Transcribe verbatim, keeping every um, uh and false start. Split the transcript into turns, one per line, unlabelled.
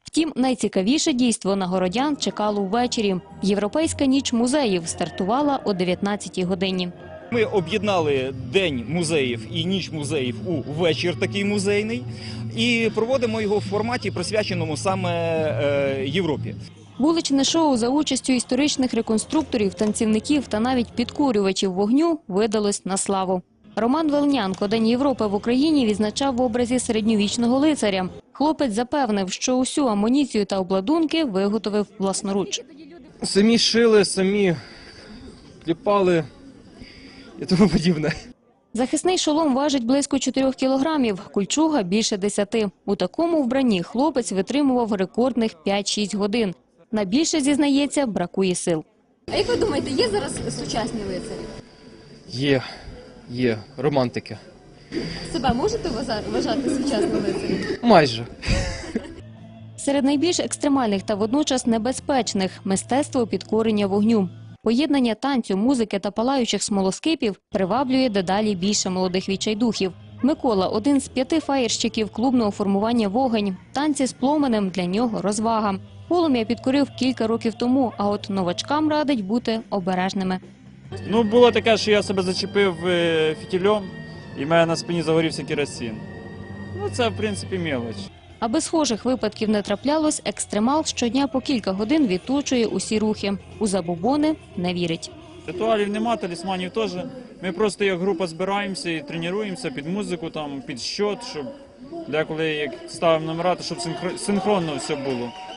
Втім, найцікавіше дійство на городян чекало ввечері. Європейська ніч музеїв стартувала о дев'ятнадцятій годині.
Ми об'єднали День музеїв і ніч музеїв у вечір такий музейний і проводимо його в форматі, присвяченому саме е, Європі.
Вуличне шоу за участю історичних реконструкторів, танцівників та навіть підкурювачів вогню видалось на славу. Роман Велнянко День Європи в Україні відзначав в образі середньовічного лицаря. Хлопець запевнив, що усю амуніцію та обладунки виготовив власноруч.
Самі шили, самі кліпали і тому подібне.
Захисний шолом важить близько чотирьох кілограмів, кульчуга – більше десяти. У такому вбранні хлопець витримував рекордних п'ять-шість годин. На більше, зізнається, бракує сил.
А як ви думаєте, є зараз сучасні лицарі?
Є, є, романтики.
Себе можете вважати сучасним лицарем?
Майже.
Серед найбільш екстремальних та водночас небезпечних – мистецтво підкорення вогню. Поєднання танцю, музики та палаючих смолоскипів приваблює дедалі більше молодих відчайдухів. Микола – один з п'яти фаєрщиків клубного формування «Вогонь». Танці з пломенем для нього – розвага. Полум'я підкорив кілька років тому, а от новачкам радить бути обережними.
Ну, було таке, що я себе зачепив фітільом і в мене на спині загорівся керосин. Ну, це, в принципі, мелоч.
Аби схожих випадків не траплялось, екстремал щодня по кілька годин відточує усі рухи. У забобони не вірить.
Ритуалів нема, талісманів теж. Ми просто як група збираємося і тренуємося під музику, там, під щот, щоб деколи як ставимо номера, то щоб синхронно все було.